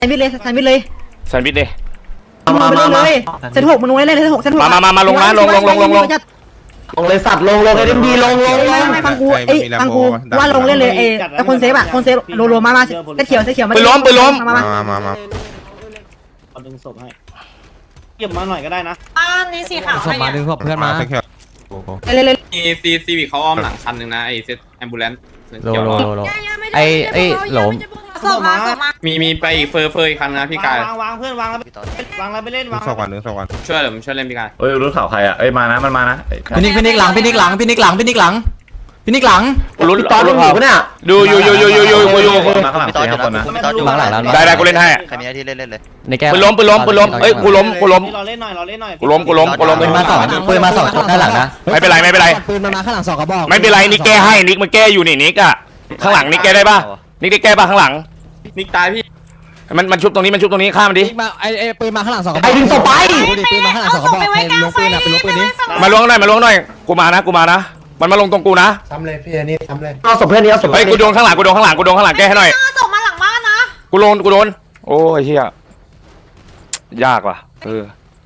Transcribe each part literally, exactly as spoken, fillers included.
ซนวิชเลยแซนวิชเลยแซนด์วิชดิมามาเลยเซนหกมันลงเลยเซนหกเซนหกมามามาลงนะลงลงลงลงลงลงเลยสัตว์ลงลงเอ็มดีลงลงไม่ไม่ฟังกูเอ้ยฟังกูว่าลงเล่นเลยเอ้ไอคนเซฟอะคนเซฟโลโลมามาเซตเขียวเซตเขียวมามามามามาเอาดึงศพให้เก็บมาหน่อยก็ได้นะบ้านนี้สีขาวศพมาดึงศพเพื่อนมาเลยเลยมีซีซีวิเขาอ้อมหลังคันหนึ่งนะไอเซตแอมบูเลนซ์โลโลโลโลไอไอหลมศพมาศพมามีมีไปอีกเฟอร์เฟอร์อีกคันนะพี่กายวางวางเพื่อนวางแล้ววางแล้วไปเล่นวางสองวันนึงสองวันช่วยเดี๋ยวผมช่วยเล่นพี่กายเอ้ยรู้ข่าวใครอ่ะเอ้ยมานะมันมานะพี่นิกพี่นิกหลังพี่นิกหลังพี่นิกหลังพี่นิกหลังพี่นิกหลังลุ้นตอนนี้อยู่ปะเนี่ยดูอยู่อยู่อยู่อยู่อยู่อยู่มาข้างหลังสี่ห้าคนนะข้างหลังแล้วได้ได้กูเล่นให้ใครมีหน้าที่เล่นเล่นเลยในแก้วปืนล้มปืนล้มปืนล้มเอ้ยกูล้มกูล้มเราเล่นหน่อยเราเล่นหน่อยกูล้มกูล้มกูล้มปืนมาสองปืนมาสองด้านหลังนะไม่เป็นไรไม่เป็นไรปืนมันมาข้างหลังสองกระบอกไม่เป็นไรนิกแก้ให้นิกมันแก้อยู่นี่นิกอะข้างหลังนิกแก้ได้ป่ะนิกได้แก้ป่ะข้างหลังนิกตายพี่มันมันชุบตรงนี้มันชุบตรงนี้ฆ่ามันดิมาไอไอปืนมาข้างหลังสองกระบอกไอ้ดึงศพไปปืนมาข้างหลังสองกระบอกใครล้วงปืนอ่ะไปล้วงปืนนี้มาล้วงหน่อยมาล้วงหน่อยกูมานะกูมานะมันมาลงตรงกูนะทำเลยพี่อันนี้ทำเลยเอาศพเพื่อนนี้เอาศพเฮ้ยกูโดนข้างหลังกูโดนข้างหลังกูโดนข้างหลังแก้ให้หน่อยศพมาหลังบ้านนะกูโดนกูโดนโอ้ยเฮียยากว่ะเออ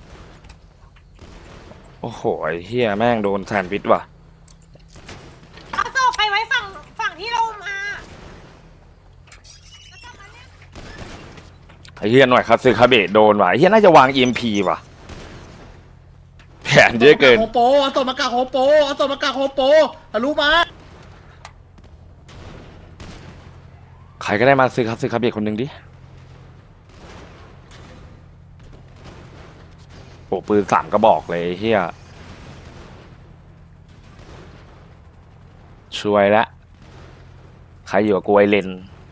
โอ้โหไอ้เฮียแม่งโดนแซนด์วิชว่ะเอาศพไปไว้ฝั่งฝั่งที่เรามาไอ้เฮียหน่อยคาซึคาเบะโดนว่ะไอ้เฮียน่าจะวาง อี เอ็ม พี ว่ะแผนเยอะเกินโฮโปเอาศพมากากโฮโปเอาศพมากากโฮโปทะลุมาใครก็ได้มาซื้อคาซึคาเบะคนหนึ่งดิโอ้ปืนสามกระบอกเลยไอ้เฮียช่วยละใครอยู่กับกูไอเลน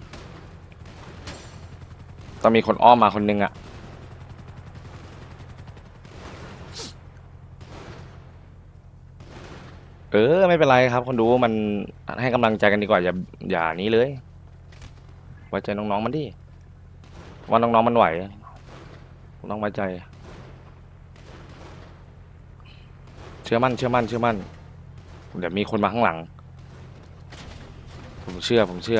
ต้องมีคนอ้อมมาคนหนึงอะเออไม่เป็นไรครับคนดูมันให้กำลังใจกันดีกว่าอย่าอย่านี้เลยไว้ใจน้องๆมันดิว่าน้องๆมันไหวน้องไว้ใจเชื่อมั่นเชื่อมั่นเชื่อมั่นเดี๋ยวมีคนมาข้างหลังผมเชื่อผมเชื่อ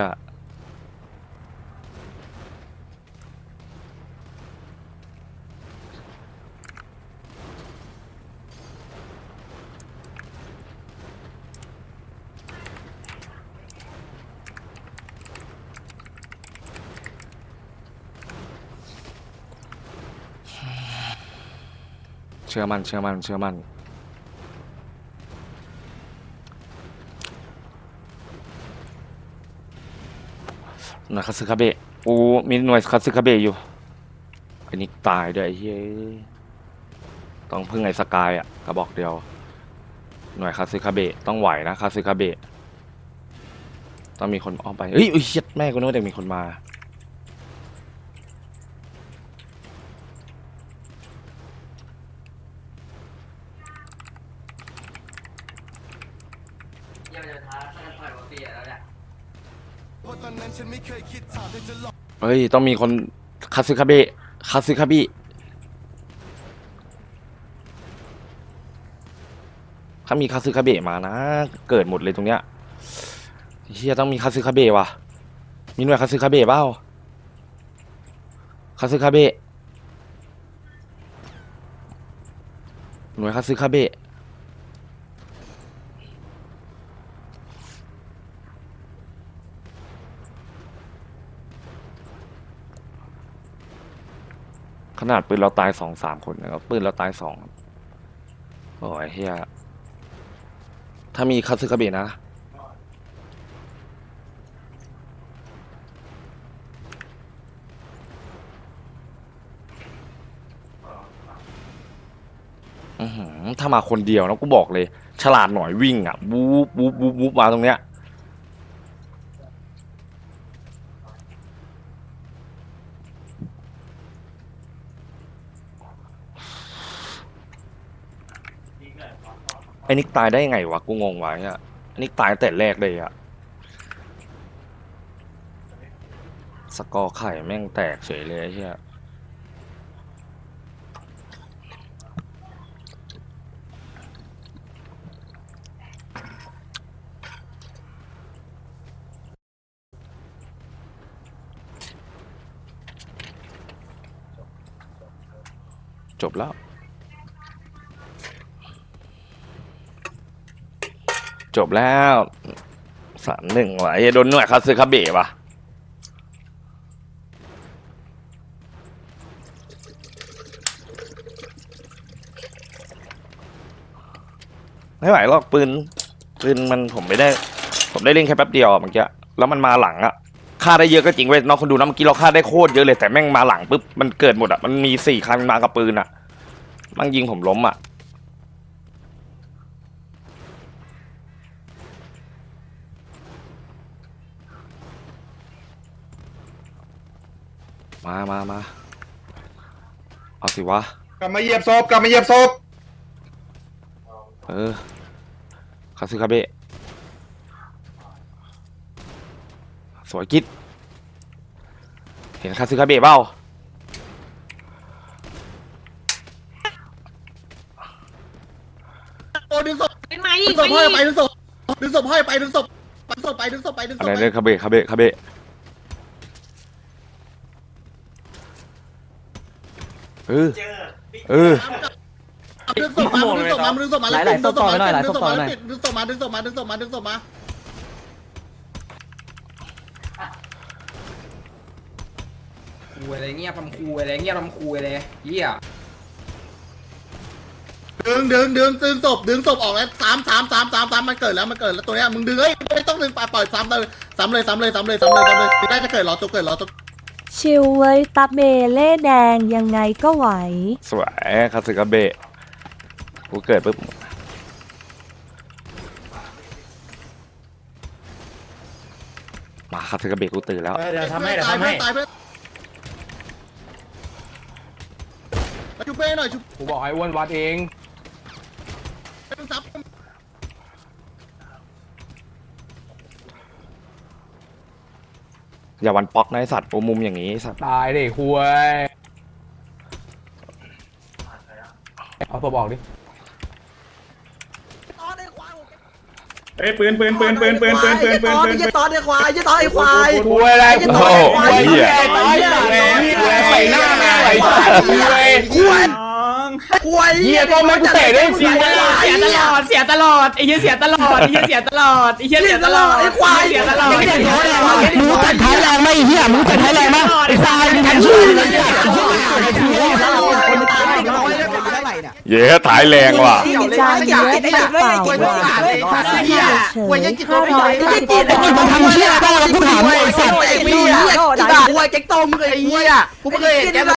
เชื่อมั่นเชื่อมั่นเชื่อมั่นหน่วยคาซึคาเบะกูมีหน่วยคาซึคาเบะอยู่ไอ้นิกตายด้วยไอ้เฮ้ยต้องพึ่งไอ้สกายอ่ะกระบอกเดียวหน่วยคาซึคาเบะต้องไหวนะคาซึคาเบะต้องมีคนอ้อมไปเฮ้ยเฮ้ยเฮ็ดแม่กูนึกว่าเด็กมีคนมาเฮ้ยต้องมีคนคาซึคาเบะคาซึคาบิถ้ามีคาซึคาเบะมานะเกิดหมดเลยตรงเนี้ยเฮียต้องมีคาซึคาเบะว่ะมีหน่วยคาซึคาเบะเปล่าคาซึคาเบะหน่วยคาซึคาเบะขนาดปืนเราตายสองสามคนนะครับปืนเราตายสองโอ้ยเฮียถ้ามีคาซึคาเบะนะอือหือถ้ามาคนเดียวนะกูบอกเลยฉลาดหน่อยวิ่งอ่ะบู๊บู๊บู๊บู๊มาตรงเนี้ยไอ้นิกตายได้ยังไงวะกูงงวะเนี่ยนิกตายแต่แรกเลยอะสกอร์ไข่แม่งแตกเฉยเลยไอ้เหี้ยจบแล้วจบแล้วสามหนึ่งว่ะไอ้โดนหน่วยคาซึคาเบะว่ะไม่ไหวหรอกปืนปืนมันผมไม่ได้ผมได้เล่นแค่แป๊บเดียวเมื่อกี้แล้วมันมาหลังอะฆ่าได้เยอะก็จริงเว้ยน้องคนดูนะเมื่อกี้เราฆ่าได้โคตรเยอะเลยแต่แม่งมาหลังปุ๊บมันเกิดหมดอะมันมีสี่คันมากับปืนอะมันยิงผมล้มอะมามามาเอาสิวะกลับมาเหยียบศพกลับมาเหยียบศพเออคาซึคาเบะสวยกิ๊ดเห็นคาซึคาเบะเปล่าโอ้ดึงศพเป็นไม้ดึอีงกศพไม้ห้อยอีกไปดึงศพดึงศพห้อยไปดึงศพดึงศพไปดึงศพไปดึงศอะพไรไปเนี่ยคาเบะคาเบะคาเบะเออเออดึงศพมาดึงศพมาดึงศพมาดึงศพมาดึงศพมาดึงศพมาดึงศพมาดึงศพมาดึงศพมาดึงศพมาคูอะไรเงี้ยทำคูอะไรเงี้ยทำคูอะไรเหี้ยดึงดึงดึงดึงศพดึงศพออกแล้วสามสามสามสามสามมันเกิดแล้วมันเกิดแล้วตัวเนี้ยมึงดึงเฮ้ยไม่ต้องดึงปล่อยปล่อยซ้ำเลยซ้ำเลยซ้ำเลยซ้ำเลยซ้ำเลยซ้ำเลยได้จะเกิดรอตัวเกิดรอตัวชิลเว้ยตับเบเล่แดงยังไงก็ไหวสวยคาซึคาเบะกูเกิดปุ๊บมาคาซึคาเบะกูตื่นแล้วเดี๋ยวทำให้เดี๋ยวทำให้ตายเพื่อนมาชุบเป้หน่อยชุบกูบอกให้อ้วนวัดเองซับอย่าวันป๊อกนะไอสัตว์โอมุมอย่างนี้ไอ้สัตว์ตายดิคุยเอาตัวบอกดิเฮ้ยปืนปืนปืนปืนปืนปืนปืนปืนปืนยี่ตอนไอ้ควายยี่ตอนไอ้ควายคุยอะไรโอ้โหเหี้ยใส่หน้าแม่ไหลคุยควายควายเหี้ยก็ไม่กูเตะได้สิเสียตลอดเสียตลอดไอ้เหี้ยเสียตลอดไอ้เหี้ยเสียตลอดไอ้เหี้ยเสียตลอดไอ้ควายเสียตลอดมึงตัดท้ายแรงไหมเหี้ยมึงตัดท้ายแรงไหมไอ้ทรายมึงทำชื่อเลยเย้ถ่ายแรงว่ะจานเยอะไปเปล่าว่าเฉยห้าร้อยเก้าสิบมึงทำเชี่ยอะไรบ้างแล้วกูถามเลยไอ้สัตว์ไอ้เหี้ยด่าควายเจ๊กโตมึงไอ้เหี้ยกูไม่เคยเห็นแก